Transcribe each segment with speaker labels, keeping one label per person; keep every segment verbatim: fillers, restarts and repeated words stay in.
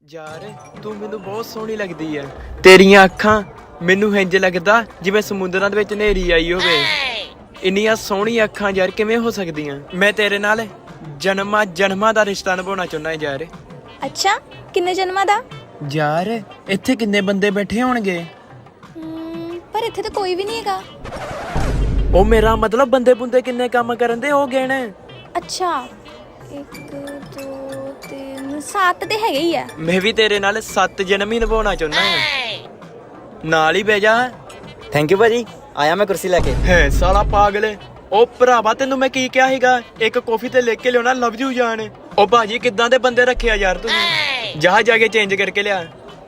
Speaker 1: ਯਾਰ ਤੂੰ ਮੈਨੂੰ ਬਹੁਤ ਸੋਹਣੀ ਲੱਗਦੀ ਐ। ਤੇਰੀਆਂ ਅੱਖਾਂ ਮੈਨੂੰ ਇੰਜ ਲੱਗਦਾ ਜਿਵੇਂ ਸਮੁੰਦਰਾਂ ਦੇ ਵਿੱਚ ਹਨੇਰੀ ਆਈ ਹੋਵੇ। ਇੰਨੀਆਂ ਸੋਹਣੀਆਂ ਅੱਖਾਂ ਯਾਰ ਕਿਵੇਂ ਹੋ ਸਕਦੀਆਂ? ਮੈਂ ਤੇਰੇ ਨਾਲ ਜਨਮਾਂ ਜਨਮਾਂ ਦਾ ਰਿਸ਼ਤਾ ਨਿਭਾਉਣਾ ਚਾਹੁੰਦਾ ਯਾਰ।
Speaker 2: ਅੱਛਾ, ਕਿੰਨੇ ਜਨਮਾਂ ਦਾ?
Speaker 1: ਯਾਰ ਇੱਥੇ ਕਿੰਨੇ ਬੰਦੇ ਬੈਠੇ ਹੋਣਗੇ?
Speaker 2: ਹਮ, ਪਰ ਇੱਥੇ ਤਾਂ ਕੋਈ ਵੀ ਨਹੀਂ ਹੈਗਾ।
Speaker 1: ਉਹ ਮੇਰਾ ਮਤਲਬ ਬੰਦੇ ਬੁੰਦੇ ਕਿੰਨੇ ਕੰਮ ਕਰਨ ਦੇ ਹੋ ਗਏ ਨੇ।
Speaker 2: ਅੱਛਾ, ਇੱਕ ਦੋ ਤਿੰਨ ਸੱਤ ਤੇ ਹੈਗੇ ਹੀ ਆ।
Speaker 1: ਮੈਂ ਵੀ ਤੇਰੇ ਨਾਲ ਸੱਤ ਜਨਮ ਹੀ ਨਿਭਾਉਣਾ ਚਾਹੁੰਦਾ ਹਾਂ। ਨਾਲ ਹੀ ਬਹਿ ਜਾ।
Speaker 3: ਥੈਂਕ ਯੂ ਭਾਜੀ, ਆਇਆ ਮੈਂ ਕੁਰਸੀ ਲੈ ਕੇ।
Speaker 1: ਹੈ ਸਾਲਾ ਪਾਗਲ। ਉਹ ਭਰਾਵਾ ਤੈਨੂੰ ਮੈਂ ਕੀ ਕਿਹਾ ਸੀਗਾ, ਇੱਕ ਕਾਫੀ ਤੇ ਲਿਖ ਕੇ ਲਿਆਉਣਾ ਲਵ ਯੂ ਜਾਨ। ਉਹ ਭਾਜੀ ਕਿੱਦਾਂ ਦੇ ਬੰਦੇ ਰੱਖਿਆ ਯਾਰ ਤੁਸੀਂ। ਜਾ ਜਾ ਕੇ ਚੇਂਜ ਕਰਕੇ ਲਿਆ।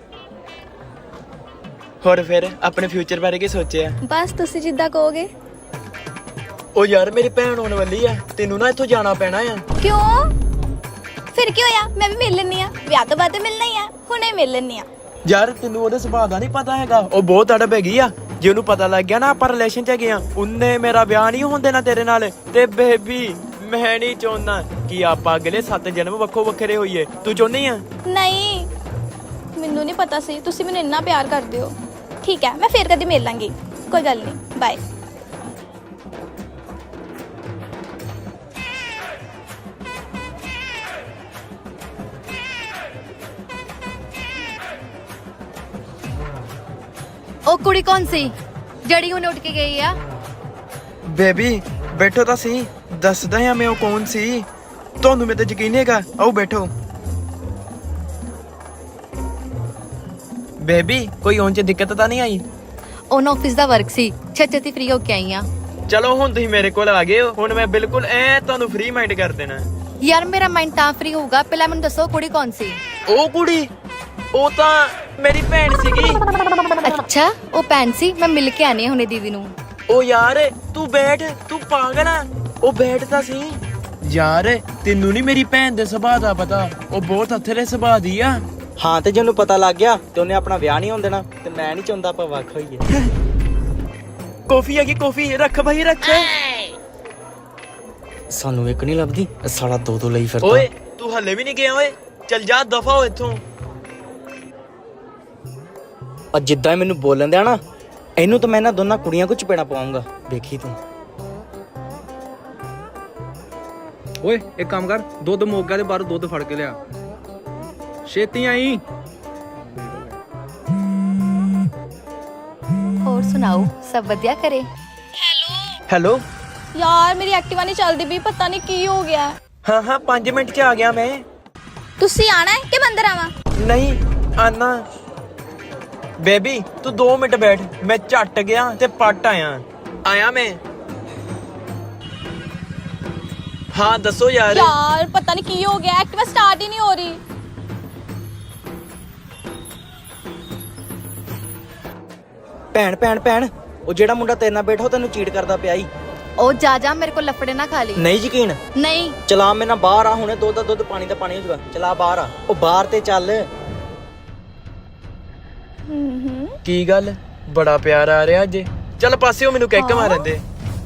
Speaker 1: ਹੋਰ ਫਿਰ ਆਪਣੇ ਫਿਊਚਰ ਬਾਰੇ ਕੀ ਸੋਚਿਆ?
Speaker 2: ਬਸ ਤੁਸੀਂ ਜਿੱਦਾਂ ਕਹੋਗੇ।
Speaker 1: ਉਹ ਯਾਰ ਮੇਰੀ ਭੈਣ ਆਉਣ ਵਾਲੀ ਆ, ਤੈਨੂੰ ਨਾ ਇੱਥੋਂ ਜਾਣਾ ਪੈਣਾ ਆ।
Speaker 2: ਕਿਉਂ? ਫਿਰ ਕੀ ਹੋਇਆ, ਮੈਂ ਵੀ ਮਿਲ ਲੈਣੀ ਆ। ਵਿਆਹ ਤੋਂ ਬਾਅਦ ਮਿਲਣਾ ਹੀ ਆ, ਹੁਣੇ ਮਿਲ ਲੈਣੀ ਆ।
Speaker 1: ਯਾਰ ਤੈਨੂੰ ਉਹਦੇ ਸੁਭਾਅ ਦਾ ਨਹੀਂ ਪਤਾ ਹੈਗਾ, ਉਹ ਬਹੁਤ ਅੜਬ ਹੈਗੀ ਆ। ਜੇ ਉਹਨੂੰ ਪਤਾ ਲੱਗ ਗਿਆ ਨਾ ਆਪਾਂ ਰਿਲੇਸ਼ਨ ਚ ਹੈਗੇ ਆ, ਉਹਨੇ ਮੇਰਾ ਵਿਆਹ ਨਹੀਂ ਹੋਣ ਦੇਣਾ ਤੇਰੇ ਨਾਲ। ਤੇ ਬੇਬੀ ਮੈਂ ਨਹੀਂ ਚਾਹੁੰਦਾ ਕਿ ਆਪਾਂ ਅਗਲੇ ਸੱਤ ਜਨਮ ਵੱਖੋ ਵੱਖਰੇ ਹੋਈਏ। ਤੂੰ ਚਾਹੁੰਦੀ ਆ?
Speaker 2: ਨਹੀਂ, ਮੈਨੂੰ ਨਹੀਂ ਪਤਾ ਸੀ ਤੁਸੀਂ ਮੈਨੂੰ ਇੰਨਾ ਪਿਆਰ ਕਰਦੇ ਹੋ। ਠੀਕ ਹੈ, ਮੈਂ ਫੇਰ ਕਦੀ ਮਿਲ ਲਾਂਗੀ, ਕੋਈ ਗੱਲ ਨਹੀਂ, ਬਾਏ।
Speaker 4: ਉਹ ਕੁੜੀ ਕੌਣ ਸੀ ਜਿਹੜੀ ਹੁਣ ਉੱਠ ਕੇ ਗਈ ਆ?
Speaker 1: ਬੇਬੀ ਬੈਠੋ ਤਾਂ ਸੀ, ਦੱਸਦਾ ਹਾਂ ਮੈਂ ਉਹ ਕੌਣ ਸੀ। ਤੁਹਾਨੂੰ ਮੇਰੇ ਤੇ ਯਕੀਨ ਨਹੀਂ ਹੈਗਾ? ਆਓ ਬੈਠੋ। ਬੇਬੀ ਕੋਈ ਉਹਨਾਂ ਚ ਦਿੱਕਤ ਤਾਂ ਨਹੀਂ ਆਈ?
Speaker 4: ਉਹਨਾਂ ਆਫਿਸ ਦਾ ਵਰਕ ਸੀ, ਛੇਤੀ ਛੇਤੀ ਫ੍ਰੀ ਹੋ ਕੇ ਆਈ ਆ।
Speaker 1: ਚਲੋ ਹੁਣ ਤੁਸੀਂ ਮੇਰੇ ਕੋਲ ਆ ਗਏ ਹੋ, ਹੁਣ ਮੈਂ ਬਿਲਕੁਲ ਐ ਤੁਹਾਨੂੰ ਫ੍ਰੀ ਮਾਈਂਡ ਕਰ ਦੇਣਾ।
Speaker 4: ਯਾਰ ਮੇਰਾ ਮਾਈਂਡ ਤਾਂ ਫ੍ਰੀ ਹੋਊਗਾ, ਪਹਿਲਾਂ ਮੈਨੂੰ ਦੱਸੋ ਕੁੜੀ ਕੌਣ ਸੀ?
Speaker 1: ਉਹ ਕੁੜੀ ਉਹ ਤਾਂ ਮੇਰੀ ਭੈਣ ਸੀਗੀ।
Speaker 4: ਅੱਛਾ, ਉਹ ਭੈਣ ਸੀ। ਮੈਂ ਮਿਲ ਕੇ ਆਣੀ ਹੁਣੇ ਦੀਦੀ ਨੂੰ।
Speaker 1: ਉਹ ਯਾਰ ਤੂੰ ਬੈਠ, ਤੂੰ ਪਾਗਲ ਆ। ਉਹ ਬੈਠ ਤਾਂ ਸੀ। ਯਾਰ ਤੈਨੂੰ ਨਹੀਂ ਮੇਰੀ ਭੈਣ ਦੇ ਸੁਭਾਅ ਦਾ ਪਤਾ, ਉਹ ਬਹੁਤ ਅਥਰੇ ਸੁਭਾਅ ਦੀ ਆ।
Speaker 3: ਹਾਂ, ਤੇ ਜੇ ਉਹਨੂੰ ਪਤਾ ਲੱਗ ਗਿਆ ਤੇ ਉਹਨੇ ਆਪਣਾ ਵਿਆਹ ਨਹੀਂ ਹੋਣ ਦੇਣਾ। ਤੇ ਮੈਂ ਨਹੀਂ ਚਾਹੁੰਦਾ ਆਪਾਂ ਵੱਖ ਹੋਈਏ।
Speaker 1: ਕੌਫੀ ਹੈਗੀ, ਕੌਫੀ ਰੱਖ ਭਾਈ ਰੱਖ।
Speaker 3: ਸਾਨੂੰ ਇੱਕ ਨਹੀਂ ਲੱਭਦੀ, ਇਹ ਸਾਲਾ ਦੋ ਦੋ ਲਈ ਫਿਰਦਾ।
Speaker 1: ਓਏ ਤੂੰ ਹੱਲੇ ਵੀ ਨਹੀਂ ਗਿਆ? ਓਏ ਚੱਲ ਜਾ, ਦਫਾ ਹੋ ਇੱਥੋਂ।
Speaker 3: ਔਰ ਜਿੱਦਾਂ ਇਹ ਮੈਨੂੰ ਬੋਲਣ ਦਿਆ ਨਾ, ਇਹਨੂੰ ਤਾਂ ਮੈਂ ਇਹਨਾਂ ਦੋਨਾਂ ਕੁੜੀਆਂ ਕੋ ਚਪੇੜਾ ਪਾਉਂਗਾ, ਵੇਖੀ ਤੂੰ।
Speaker 5: ਓਏ ਇੱਕ ਕੰਮ ਕਰ, ਦੁੱਧ ਮੁੱਕ ਗਿਆ ਤੇ ਬਾਹਰੋਂ ਦੁੱਧ ਫੜ ਕੇ ਲਿਆ, ਛੇਤੀ ਆਈ।
Speaker 4: ਹੋਰ ਸੁਣਾਓ, ਸਭ ਵਧੀਆ ਕਰੇ?
Speaker 1: ਹੈਲੋ।
Speaker 2: ਯਾਰ ਮੇਰੀ ਐਕਟਿਵਾ ਨਹੀਂ ਚੱਲਦੀ ਵੀ, ਪਤਾ ਨਹੀਂ ਕੀ ਹੋ ਗਿਆ।
Speaker 1: ਹਾਂ ਹਾਂ ਪੰਜ ਮਿੰਟ ਚ ਆ ਗਿਆ ਮੈਂ।
Speaker 2: ਤੁਸੀਂ ਆਣਾ ਹੈ ਕਿ ਮੈਂ ਅੰਦਰ ਆਵਾਂ?
Speaker 1: ਨਹੀਂ ਆਨਾ। ਬੇਬੀ ਤੂੰ ਦੋ ਮਿੰਟ ਬੈਠ, ਮੈਂ ਝੱਟ ਗਿਆ ਤੇ ਪੱਟ ਆਇਆ। ਆਇਆ ਮੈਂ। ਹਾਂ ਦੱਸੋ ਯਾਰ।
Speaker 2: ਯਾਰ ਪਤਾ ਨਹੀਂ ਕੀ ਹੋ ਗਿਆ, ਐਕਟਿਵਾ ਸਟਾਰਟ ਹੀ ਨਹੀਂ ਹੋ ਰਹੀ।
Speaker 3: ਭੈਣ ਭੈਣ ਭੈਣ, ਉਹ ਜਿਹੜਾ ਮੁੰਡਾ ਤੇਰੇ ਨਾਲ ਬੈਠਾ ਉਹ ਤੈਨੂੰ ਚੀਟ ਕਰਦਾ ਪਿਆ ਈ।
Speaker 4: ਉਹ ਜਾ ਜਾ, ਮੇਰੇ ਕੋਲ ਲੱਫੜੇ ਨਾ ਖਾ ਲਈ।
Speaker 3: ਨਹੀਂ ਯਕੀਨ?
Speaker 4: ਨਹੀਂ।
Speaker 3: ਚਲਾ ਮੇਰੇ ਨਾਲ ਬਾਹਰ ਆ, ਹੁਣੇ ਦੁੱਧ ਦਾ ਦੁੱਧ ਪਾਣੀ ਦਾ ਪਾਣੀ ਹੋ ਜਾਊਗਾ। ਚਲਾ ਬਾਹਰ ਆ, ਉਹ ਬਾਹਰ ਤੇ ਚੱਲ।
Speaker 1: ਕੀ ਗੱਲ, ਬੜਾ ਪਿਆਰ ਆ ਰਿਹਾ ਅੱਜ। ਚੱਲ ਪਾਸੇ ਹੋ, ਮੈਨੂੰ ਕਿੱਕ ਮਾਰਨ ਦੇ।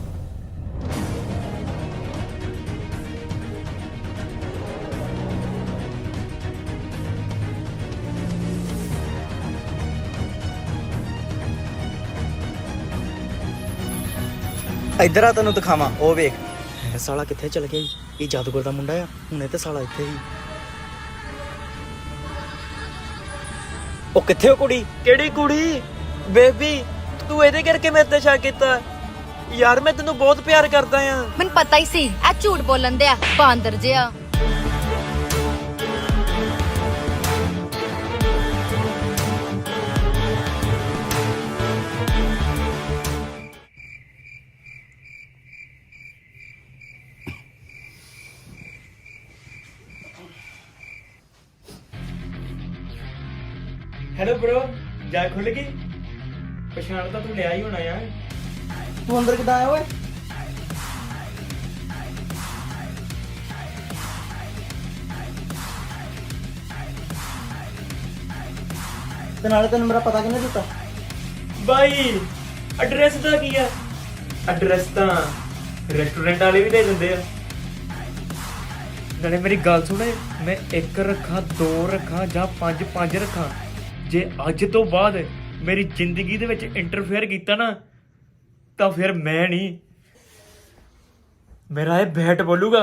Speaker 3: ਇੱਧਰ ਆ, ਤੈਨੂੰ ਦਿਖਾਵਾਂ। ਉਹ ਵੇਖ, ਇਹ ਸਾਲਾ ਕਿੱਥੇ ਚਲ ਗਿਆ ਈ? ਇਹ ਜਾਦੂਗਰ ਦਾ ਮੁੰਡਾ ਆ, ਹੁਣੇ ਤੇ ਸਾਲਾ ਇੱਥੇ ਹੀ। ਉਹ ਕਿੱਥੇ ਉਹ ਕੁੜੀ?
Speaker 1: ਕਿਹੜੀ ਕੁੜੀ? ਬੇਬੀ ਤੂੰ ਇਹਦੇ ਕਰਕੇ ਮੇਰੇ ਤੇ ਸ਼ੱਕ ਕੀਤਾ? ਯਾਰ ਮੈਂ ਤੈਨੂੰ ਬਹੁਤ ਪਿਆਰ ਕਰਦਾ ਆ।
Speaker 4: ਮੈਨੂੰ ਪਤਾ ਹੀ ਸੀ ਇਹ ਝੂਠ ਬੋਲਣ ਦੇ ਆ, ਬਾਂਦਰ ਜਿਹਾ।
Speaker 1: ਹੈਲੋ ਬ్రో, ਜਾ ਖੁੱਲ ਗਈ? ਪਛਾਣ ਤਾਂ ਤੂੰ ਲਿਆ ਹੀ ਹੋਣਾ ਯਾਰ।
Speaker 3: ਤੂੰ ਅੰਦਰ ਕਿੱਦਾਂ ਆਇਆ ਓਏ? ਤੇ ਨਾਲੇ ਤੈਨੂੰ ਮੇਰਾ ਪਤਾ ਕਿਹਨੇ ਦਿੱਤਾ?
Speaker 1: ਬਾਈ ਐਡਰੈਸ ਦਾ ਕੀ ਆ? ਐਡਰੈਸ ਤਾਂ ਰੈਸਟੋਰੈਂਟ ਵਾਲੇ ਵੀ ਦੇ ਦਿੰਦੇ ਆ। ਨਾਲੇ ਮੇਰੀ ਗੱਲ ਸੁਣੇ, ਮੈਂ ਇੱਕ ਰੱਖਾਂ, ਦੋ ਰੱਖਾਂ ਜਾਂ ਪੰਜ ਪੰਜ ਰੱਖਾਂ, ਜੇ ਅੱਜ ਤੋਂ ਬਾਅਦ ਮੇਰੀ ਜ਼ਿੰਦਗੀ ਦੇ ਵਿੱਚ ਇੰਟਰਫੇਅਰ ਕੀਤਾ ਨਾ ਤਾਂ ਫਿਰ ਮੈਂ ਨਹੀਂ, ਮੇਰਾ ਇਹ ਬੈਟ ਬੋਲੂਗਾ।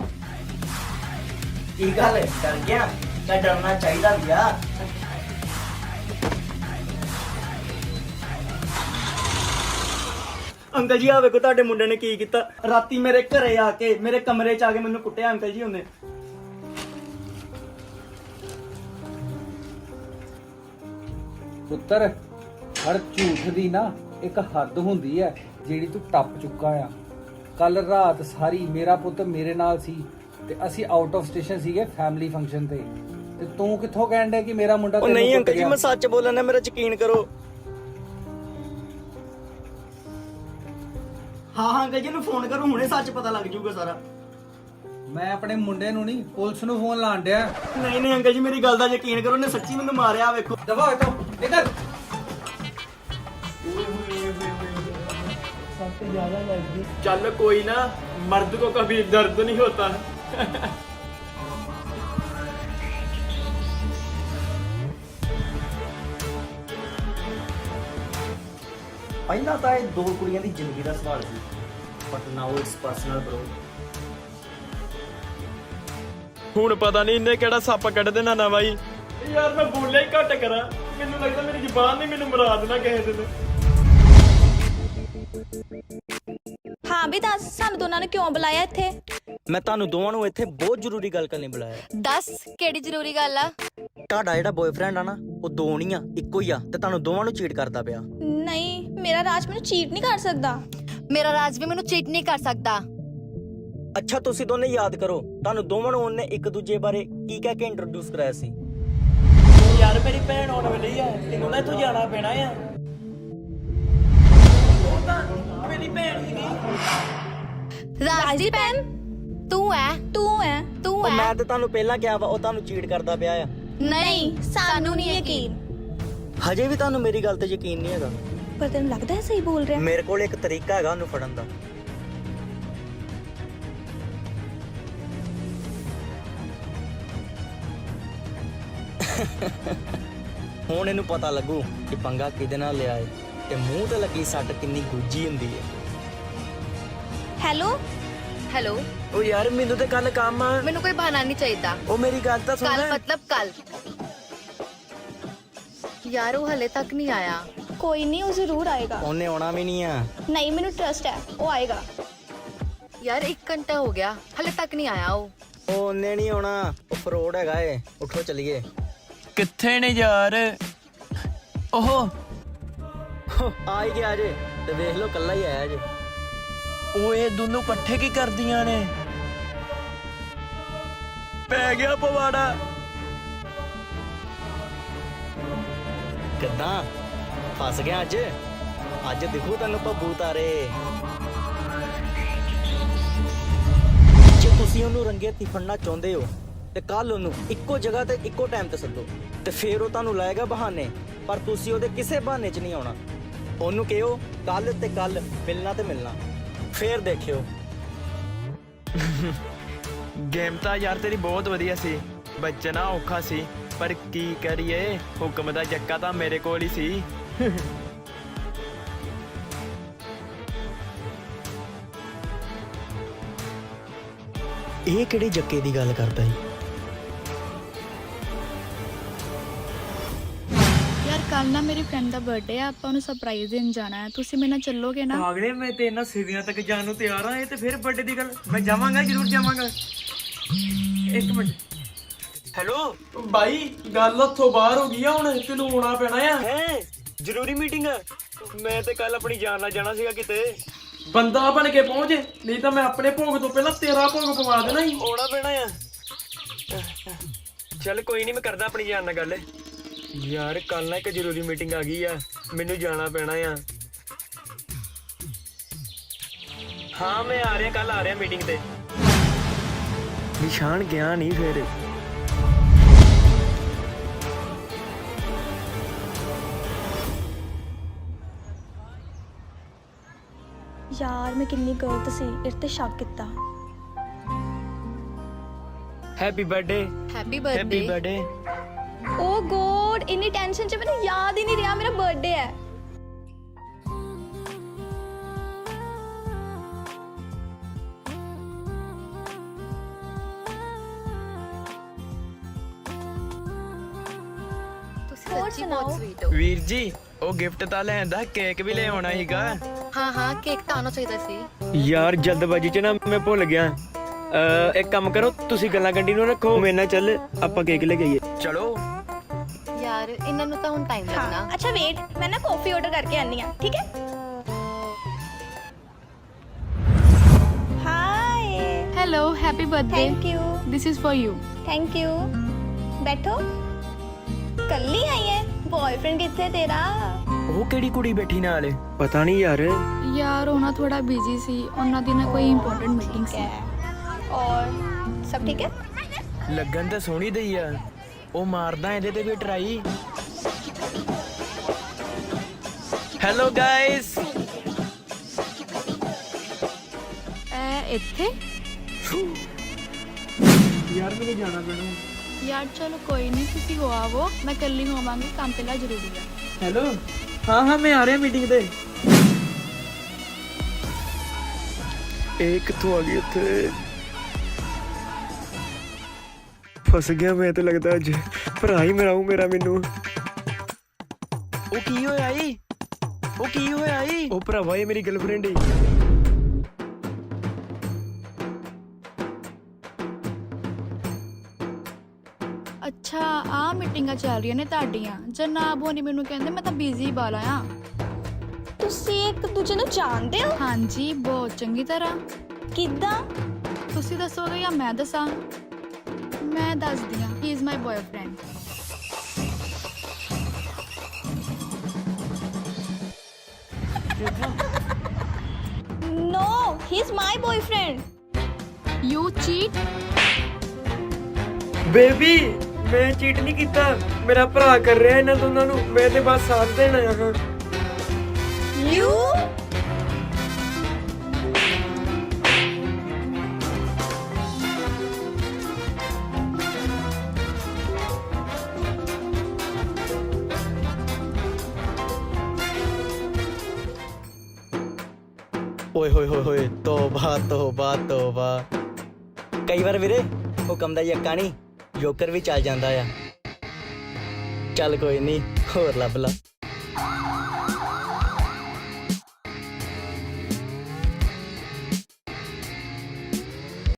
Speaker 3: ਕੀ ਗੱਲ ਹੈ, ਡਰ ਗਿਆ? ਤਾਂ ਡਰਨਾ ਚਾਹੀਦਾ ਵੀ ਆ। ਅੰਕਲ ਜੀ, ਆ ਵੇਖੋ ਤੁਹਾਡੇ ਮੁੰਡੇ ਨੇ ਕੀ ਕੀਤਾ। ਰਾਤੀ ਮੇਰੇ ਘਰੇ ਆ ਕੇ, ਮੇਰੇ ਕਮਰੇ 'ਚ ਆ ਕੇ ਮੈਨੂੰ ਕੁੱਟਿਆ ਅੰਕਲ ਜੀ ਉਹਨੇ।
Speaker 5: ਪੁੱਤਰ, ਹਰ ਝੂਠ ਦੀ ਨਾ ਇੱਕ ਹੱਦ ਹੁੰਦੀ ਹੈ ਜਿਹੜੀ ਤੂੰ ਟੱਪ ਚੁੱਕਾ ਆ। ਕੱਲ ਰਾਤ ਸਾਰੀ ਮੇਰਾ ਪੁੱਤ ਮੇਰੇ ਨਾਲ ਸੀ ਤੇ ਅਸੀਂ ਆਊਟ ਆਫ ਸਟੇਸ਼ਨ ਸੀਗੇ ਫੈਮਿਲੀ ਫੰਕਸ਼ਨ ਤੇ ਤੇ ਤੂੰ ਕਿੱਥੋਂ ਕਹਿਣ ਡਿਆ ਕਿ ਮੇਰਾ ਮੁੰਡਾ
Speaker 3: ਉਹ
Speaker 5: ਤੈਨੂੰ
Speaker 3: ਨਹੀਂ
Speaker 5: ਕੁੱਟ
Speaker 3: ਅੰਕਲ ਜੀ,
Speaker 5: ਗਿਆ?
Speaker 3: ਮੈਂ ਸੱਚ ਬੋਲਣਾ, ਮੇਰਾ ਯਕੀਨ ਕਰੋ। ਹਾਂ ਹਾਂ ਅੰਕਲ ਜੀ ਨੂੰ ਫੋਨ ਕਰੋ, ਹੁਣੇ ਸੱਚ ਪਤਾ ਲੱਗ ਜਾਊਗਾ ਸਾਰਾ।
Speaker 5: ਮੈਂ ਆਪਣੇ ਮੁੰਡੇ ਨੂੰ ਨਹੀਂ, ਪੁਲਿਸ ਨੂੰ ਫੋਨ ਲਾਣ ਡਿਆ।
Speaker 3: ਨਹੀਂ ਨਹੀਂ ਅੰਕਲ ਜੀ, ਮੇਰੀ ਗੱਲ ਦਾ ਯਕੀਨ ਕਰੋ, ਉਹਨੇ ਸੱਚੀ ਮੈਨੂੰ ਮਾਰਿਆ। ਵੇਖੋ
Speaker 5: ਦਫਾ ਇਤੋਂ ਇਧਰ।
Speaker 1: ਚੱਲ ਕੋਈ ਨਾ, ਮਰਦ ਕੋ ਕभी ਦਰਦ ਨਹੀਂ ਹੋਤਾ।
Speaker 3: ਪਹਿਲਾਂ ਤਾਂ ਇਹ ਦੋ ਕੁੜੀਆਂ ਦੀ ਜ਼ਿੰਦਗੀ ਦਾ ਸਵਾਲ ਸੀ, but now it's personal bro.
Speaker 1: ਹੁਣ ਪਤਾ ਨਹੀਂ ਇਹਨੇ ਕਿਹੜਾ ਸੱਪ ਕੱਢ ਦੇਣਾ ਨਾ ਬਾਈ। ਯਾਰ ਮੈਂ ਬੋਲਿਆ ਹੀ ਘੱਟ ਕਰਾਂ, ਮੈਨੂੰ ਲੱਗਦਾ ਮੇਰੀ ਜ਼ੁਬਾਨ ਨਹੀਂ ਮੈਨੂੰ ਮਰਾ ਦੇਣਾ ਕਿਸੇ ਦਿਨ।
Speaker 2: ਹਾਂ ਵੀ ਦੱਸ, ਸਾਨੂੰ ਦੋਨਾਂ ਨੇ ਕਿਉਂ ਬੁਲਾਇਆ ਇੱਥੇ?
Speaker 3: ਮੈਂ ਤੁਹਾਨੂੰ ਦੋਵਾਂ ਨੂੰ ਇੱਥੇ ਬਹੁਤ ਜ਼ਰੂਰੀ ਗੱਲ ਕਰਨ ਲਈ ਬੁਲਾਇਆ।
Speaker 4: ਦੱਸ ਕਿਹੜੀ ਜ਼ਰੂਰੀ ਗੱਲ ਆ?
Speaker 3: ਤੁਹਾਡਾ ਜਿਹੜਾ ਬॉयਫ੍ਰੈਂਡ ਆ ਨਾ, ਉਹ ਦੋ ਨਹੀਂ ਆ, ਇੱਕੋ ਹੀ ਆ, ਤੇ ਤੁਹਾਨੂੰ ਦੋਵਾਂ ਨੂੰ ਚੀਟ ਕਰਦਾ ਪਿਆ।
Speaker 2: ਨਹੀਂ, ਮੇਰਾ ਰਾਜ ਮੈਨੂੰ ਚੀਟ ਨਹੀਂ ਕਰ ਸਕਦਾ।
Speaker 4: ਮੇਰਾ ਰਾਜ ਵੀ ਮੈਨੂੰ ਚੀਟ ਨਹੀਂ ਕਰ ਸਕਦਾ।
Speaker 3: ਅੱਛਾ, ਤੁਸੀਂ ਦੋਨੇ ਯਾਦ ਕਰੋ, ਤੁਹਾਨੂੰ ਦੋਵਾਂ ਨੂੰ ਉਹਨੇ ਇੱਕ ਦੂਜੇ ਬਾਰੇ ਕੀ ਕਹਿ ਕੇ ਇੰਟਰੋਡਿਊਸ ਕਰਾਇਆ ਸੀ?
Speaker 1: ਯਾਰ ਮੇਰੀ ਭੈਣ ਆਉਣ ਵਾਲੀ ਆ, ਤੈਨੂੰ ਨਾ ਇੱਥੋਂ ਜਾਣਾ ਪੈਣਾ ਆ। ਉਹ ਤਾਂ ਮੇਰੀ ਭੈਣ ਸੀਗੀ।
Speaker 4: ਰਾਜ ਦੀ ਭੈਣ ਤੂੰ ਐ
Speaker 2: ਤੂੰ ਹੈ
Speaker 4: ਤੂੰ
Speaker 3: ਉਹ
Speaker 4: ਐ
Speaker 3: ਮੈਂ ਤੇ ਤੁਹਾਨੂੰ ਪਹਿਲਾਂ ਕਿਹਾ ਵਾ, ਉਹ ਤੁਹਾਨੂੰ ਚੀਟ ਕਰਦਾ ਪਿਆ ਆ।
Speaker 2: ਨਹੀਂ, ਸਾਨੂੰ ਨਹੀਂ ਯਕੀਨ।
Speaker 3: ਹਜੇ ਵੀ ਤੁਹਾਨੂੰ ਮੇਰੀ ਗੱਲ ਤੇ ਯਕੀਨ ਨਹੀਂ ਹੈਗਾ?
Speaker 2: ਪਰ ਤੈਨੂੰ ਲੱਗਦਾ ਹੈ ਸਹੀ ਬੋਲ ਰਿਹਾ?
Speaker 3: ਮੇਰੇ ਕੋਲ ਇੱਕ ਤਰੀਕਾ ਹੈਗਾ ਉਹਨੂੰ ਫੜਨ ਦਾ। ਹੁਣ ਇਹਨੂੰ ਪਤਾ ਲੱਗੂ ਕਿ ਪੰਗਾ ਕਿਹਦੇ ਨਾਲ ਲਿਆ ਏ ਤੇ ਮੂੰਹ ਤੇ ਲੱਗੀ ਸੱਟ ਕਿੰਨੀ ਗੁੱਜੀ ਹੁੰਦੀ ਏ।
Speaker 2: Hello
Speaker 4: hello.
Speaker 1: ਉਹ ਯਾਰ ਮੈਨੂੰ ਤੇ ਕੱਲ ਕੰਮ ਆ।
Speaker 4: ਮੈਨੂੰ ਕੋਈ ਬਹਾਨਾ ਨਹੀਂ ਚਾਹੀਦਾ।
Speaker 1: ਉਹ ਮੇਰੀ ਗੱਲ ਤਾਂ ਸੁਣ।
Speaker 4: ਕੱਲ ਮਤਲਬ ਕੱਲ। ਯਾਰ ਉਹ ਹਲੇ ਤੱਕ ਨਹੀਂ ਆਇਆ।
Speaker 2: ਕੋਈ ਨਹੀਂ, ਉਹ ਜ਼ਰੂਰ ਆਏਗਾ।
Speaker 3: ਉਹਨੇ ਆਉਣਾ ਵੀ ਨਹੀਂ ਆ।
Speaker 2: ਨਹੀਂ, ਮੈਨੂੰ ਟਰਸਟ ਹੈ, ਉਹ ਆਏਗਾ।
Speaker 4: ਯਾਰ ਇੱਕ ਘੰਟਾ ਹੋ ਗਿਆ, ਹਲੇ ਤੱਕ ਨਹੀਂ ਆਇਆ ਉਹ।
Speaker 3: ਉਹ ਉਹਨੇ ਨਹੀਂ ਆਉਣਾ, ਉਹ ਫਰੋਡ ਹੈਗਾ ਏ। ਉੱਠੋ ਚਲੀਏ।
Speaker 1: ਕਿੱਥੇ ਨੇ ਯਾਰ? ਓਹੋ
Speaker 3: ਆ ਹੀ ਗਿਆ ਜੇ, ਤੇ ਵੇਖ ਲਓ ਕੱਲਾ ਹੀ ਆਇਆ ਜੇ।
Speaker 1: ਓਏ ਦੋਨੋਂ ਇਕੱਠੇ ਕੀ ਕਰਦੀਆਂ ਨੇ? ਪੈ ਗਿਆ ਪਵਾੜਾ।
Speaker 3: ਕਿੱਦਾਂ ਫਸ ਗਿਆ ਅੱਜ? ਅੱਜ ਦਿਖੂ ਤੈਨੂੰ ਭੱਬੂ ਤਾਰੇ। ਜੇ ਤੁਸੀਂ ਉਹਨੂੰ ਰੰਗੇ ਹੱਥੀਂ ਫੜਨਾ ਚਾਹੁੰਦੇ ਹੋ ਤੇ ਕੱਲ ਉਹਨੂੰ ਇੱਕੋ ਜਗ੍ਹਾ ਤੇ ਇੱਕੋ ਟਾਈਮ ਤੇ ਸੱਦੋ, ਤੇ ਫੇਰ ਉਹ ਤੁਹਾਨੂੰ ਲਾਏਗਾ ਬਹਾਨੇ, ਪਰ ਤੁਸੀਂ ਉਹਦੇ ਕਿਸੇ ਬਹਾਨੇ 'ਚ ਨਹੀਂ ਆਉਣਾ। ਉਹਨੂੰ ਕਿਹੋ ਕੱਲ ਤੇ ਕੱਲ ਮਿਲਣਾ ਤੇ ਮਿਲਣਾ, ਫੇਰ ਦੇਖਿਓ।
Speaker 1: ਗੇਮ ਤਾਂ ਯਾਰ ਤੇਰੀ ਬਹੁਤ ਵਧੀਆ ਸੀ, ਬਚਣਾ ਔਖਾ ਸੀ, ਪਰ ਕੀ ਕਰੀਏ, ਹੁਕਮ ਦਾ ਜੱਕਾ ਤਾਂ ਮੇਰੇ ਕੋਲ ਹੀ ਸੀ।
Speaker 3: ਇਹ ਕਿਹੜੇ ਜੱਕੇ ਦੀ ਗੱਲ ਕਰਦਾ ਈ?
Speaker 6: ਯਾਰ ਕੱਲ ਨਾ ਮੇਰੀ ਫਰੈਂਡ ਦਾ ਬਰਥਡੇ ਆ, ਆਪਾਂ ਉਹਨੂੰ ਸਰਪ੍ਰਾਈਜ਼ ਦੇਣ ਜਾਣਾ ਹੈ। ਤੁਸੀਂ ਮੇਰੇ ਨਾਲ ਚੱਲੋਗੇ ਨਾ?
Speaker 1: ਅਗਲੇ ਮੈਂ ਤੇ ਇਹਨਾਂ ਸਿਵਿਆਂ ਤੱਕ ਜਾਣ ਨੂੰ ਤਿਆਰ ਆ। ਇਹ ਤੇ ਫਿਰ ਬਰਥਡੇ ਦੀ ਗੱਲ, ਮੈਂ ਜਾਵਾਂਗਾ, ਜ਼ਰੂਰ ਜਾਵਾਂਗਾ। ਇੱਕ ਮਿੰਟ। ਹੈਲੋ ਬਾਈ, ਗੱਲ ਉੱਥੋਂ ਬਾਹਰ ਹੋ ਗਈ ਆ, ਹੁਣ ਤੈਨੂੰ ਆਉਣਾ ਪੈਣਾ ਆ।
Speaker 3: ਹੈ ਜ਼ਰੂਰੀ ਮੀਟਿੰਗ ਆ?
Speaker 1: ਮੈਂ ਤੇ ਕੱਲ ਆਪਣੀ ਜਾਨ ਨਾਲ ਜਾਣਾ ਸੀਗਾ ਕਿਤੇ। ਬੰਦਾ ਬਣ ਕੇ ਪਹੁੰਚ, ਨਹੀਂ ਤਾਂ ਮੈਂ ਆਪਣੇ ਭੋਗ ਤੋਂ ਪਹਿਲਾਂ ਤੇਰਾ ਭੋਗ ਪਵਾ ਦੇਣਾ ਹੀ।
Speaker 3: ਆਉਣਾ ਪੈਣਾ ਆ।
Speaker 1: ਚੱਲ ਕੋਈ ਨਹੀਂ, ਮੈਂ ਕਰਦਾ ਆਪਣੀ ਜਾਨ ਨਾਲ ਗੱਲ। ਯਾਰ ਕੱਲ ਨਾ ਇੱਕ ਜ਼ਰੂਰੀ ਮੀਟਿੰਗ ਆ ਗਈ ਆ, ਮੈਨੂੰ ਜਾਣਾ ਪੈਣਾ ਆ। ਹਾਂ ਮੈਂ ਆ ਰਿਹਾ, ਕੱਲ ਆ ਰਿਹਾ ਮੀਟਿੰਗ ਤੇ। ਨਿਸ਼ਾਨ ਗਿਆ ਨਹੀਂ ਫਿਰ।
Speaker 2: ਯਾਰ ਮੈਂ ਕਿੰਨੀ ਗਲਤ ਸੀ, ਇਹ ਤੇ ਸ਼ੱਕ ਕੀਤਾ।
Speaker 1: Happy birthday
Speaker 4: happy
Speaker 1: happy
Speaker 4: birthday
Speaker 1: birthday.
Speaker 2: Oh God, ਇੰਨੀ ਟੈਨਸ਼ਨ 'ਚ ਮੈਨੂੰ ਯਾਦ ਹੀ ਨਹੀਂ ਰਿਹਾ ਮੇਰਾ ਬਰਥਡੇ ਹੈ।
Speaker 4: ਤੁਸੀਂ
Speaker 2: ਹੋਰ
Speaker 4: ਸੱਚੀ
Speaker 2: ਸੁਣਾਓ?
Speaker 4: ਬਹੁਤ ਸਵੀਟ ਹੋ।
Speaker 1: ਵੀਰ ਜੀ ਉਹ ਗਿਫਟ ਤਾਂ ਲੈ ਆਂਦਾ, ਕੇਕ ਵੀ ਲੈ ਆਉਣਾ ਸੀਗਾ।
Speaker 4: ਹਾਂ ਹਾਂ ਕੇਕ ਤਾਂ ਆਉਣਾ ਚਾਹੀਦਾ ਸੀ।
Speaker 1: ਯਾਰ ਜਲਦਬਾਜੀ 'ਚ ਨਾ ਮੈਂ ਭੁੱਲ ਗਿਆ। ਅ ਇੱਕ ਕੰਮ ਕਰੋ, ਤੁਸੀਂ ਗੱਲਾਂ ਕੰਟੀਨਿਊ ਰੱਖੋ, ਮੇਰੇ ਨਾਲ ਚੱਲ ਆਪਾਂ ਕੇਕ ਲੈ ਕੇ ਆਈਏ। ਚਲੋ।
Speaker 4: ਯਾਰ ਇਹਨਾਂ ਨੂੰ ਤਾਂ ਹੁਣ ਟਾਈਮ ਲੱਗਣਾ।
Speaker 2: ਹਾਂ ਅੱਛਾ ਵੇਟ, ਮੈਂ ਨਾ ਕਾਫੀ ਆਰਡਰ ਕਰਕੇ ਆਨੀ ਆ, ਠੀਕ ਹੈ? Hi,
Speaker 6: hello happy birthday
Speaker 2: thank you
Speaker 6: this is for you.
Speaker 2: Thank you. ਬੈਠੋ। ਕੱਲੀ ਆਈ ਹੈ? ਬॉयਫ੍ਰੈਂਡ ਕਿੱਥੇ ਤੇਰਾ?
Speaker 1: ਉਹ ਕਿਹੜੀ ਕੁੜੀ ਬੈਠੀ ਨਾਲ? ਪਤਾ ਨਹੀਂ ਯਾਰ।
Speaker 6: ਯਾਰ ਉਹਨਾਂ ਥੋੜਾ ਬਿਜ਼ੀ ਸੀ, ਉਹਨਾਂ ਦੀ ਨਾ ਕੋਈ ਇੰਪੋਰਟੈਂਟ ਮੀਟਿੰਗ ਸੀ।
Speaker 2: ਔਰ ਸਭ ਠੀਕ ਹੈ?
Speaker 1: ਲੱਗਣ ਤਾਂ ਸੋਹਣੀ ਦਈ ਆ। ਉਹ ਮਾਰਦਾ ਇਹਦੇ ਤੇ ਵੀ ਟਰਾਈ। Hello guys.
Speaker 6: ਐ ਇੱਥੇ
Speaker 1: ਯਾਰ ਮੈਨੂੰ ਜਾਣਾ ਪੈਣਾ।
Speaker 6: ਯਾਰ ਚਲੋ ਕੋਈ ਨਹੀਂ, ਤੁਸੀਂ ਹੋ ਆਵੋ, ਮੈਂ ਕੱਲੀ ਹੋਵਾਂਗੀ, ਕੰਮ ਪਹਿਲਾਂ ਜ਼ਰੂਰੀ ਹੈ।
Speaker 1: ਹੈਲੋ। ਹਾਂ ਹਾਂ ਮੈਂ ਆ ਰਿਹਾ ਮੀਟਿੰਗ ਤੇ। ਇਹ ਕਿੱਥੋਂ ਆ ਗਈ ਉੱਥੇ? ਫਸ ਗਿਆ ਮੈਂ ਤਾਂ ਲੱਗਦਾ ਅੱਜ। ਭਰਾ ਹੀ ਮੇਰਾ ਉਹ ਮੇਰਾ ਮੈਨੂੰ। ਉਹ ਕੀ ਹੋਇਆ ਈ? ਉਹ ਕੀ ਹੋਇਆ ਈ? ਉਹ ਭਰਾਵਾ ਇਹ ਮੇਰੀ ਗਰਲਫ੍ਰੈਂਡ ਈ।
Speaker 6: ਅੱਛਾ ਆ ਮੀਟਿੰਗਾਂ ਚੱਲ ਰਹੀਆਂ ਨੇ ਤੁਹਾਡੀਆਂ। ਜਨਾਬ ਹੋਣੀ ਮੈਨੂੰ ਕਹਿੰਦੇ ਮੈਂ ਤਾਂ ਬਿਜ਼ੀ ਬਾਲਾ ਆ।
Speaker 2: ਤੁਸੀਂ ਇੱਕ ਦੂਜੇ ਨੂੰ ਜਾਣਦੇ ਹੋ?
Speaker 6: ਹਾਂਜੀ ਬਹੁਤ ਚੰਗੀ ਤਰ੍ਹਾਂ।
Speaker 2: ਕਿੱਦਾਂ?
Speaker 6: ਤੁਸੀਂ ਦੱਸੋਗੇ ਜਾਂ ਮੈਂ ਦੱਸਾਂ? ਮੈਂ ਦੱਸਦੀ ਹਾਂ, he is my boyfriend.
Speaker 2: No, he's my boyfriend.
Speaker 6: You cheat?
Speaker 1: Baby ਮੈਂ ਚੀਟ ਨਹੀਂ ਕੀਤਾ, ਮੇਰਾ ਭਰਾ ਕਰ ਰਿਹਾ ਇਹਨਾਂ ਦੋਨਾਂ ਨੂੰ। ਮੈਂ ਤੇ ਬਸ ਸਾਥ ਦੇਣ ਆਇਆ ਹਾਂ।
Speaker 2: You?
Speaker 3: ਓਏ ਹੋਏ ਹੋਏ ਹੋਏ, ਤੋਬਾ ਤੋਬਾ ਤੋਬਾ। ਕਈ ਵਾਰ ਵੀਰੇ ਹੁਕਮ ਦਾ ਯੱਕਾ ਨਹੀਂ, ਜੋਕਰ ਵੀ ਚੱਲ ਜਾਂਦਾ ਆ। ਚੱਲ ਕੋਈ ਨਹੀਂ, ਹੋਰ ਲੱਭ ਲਾ।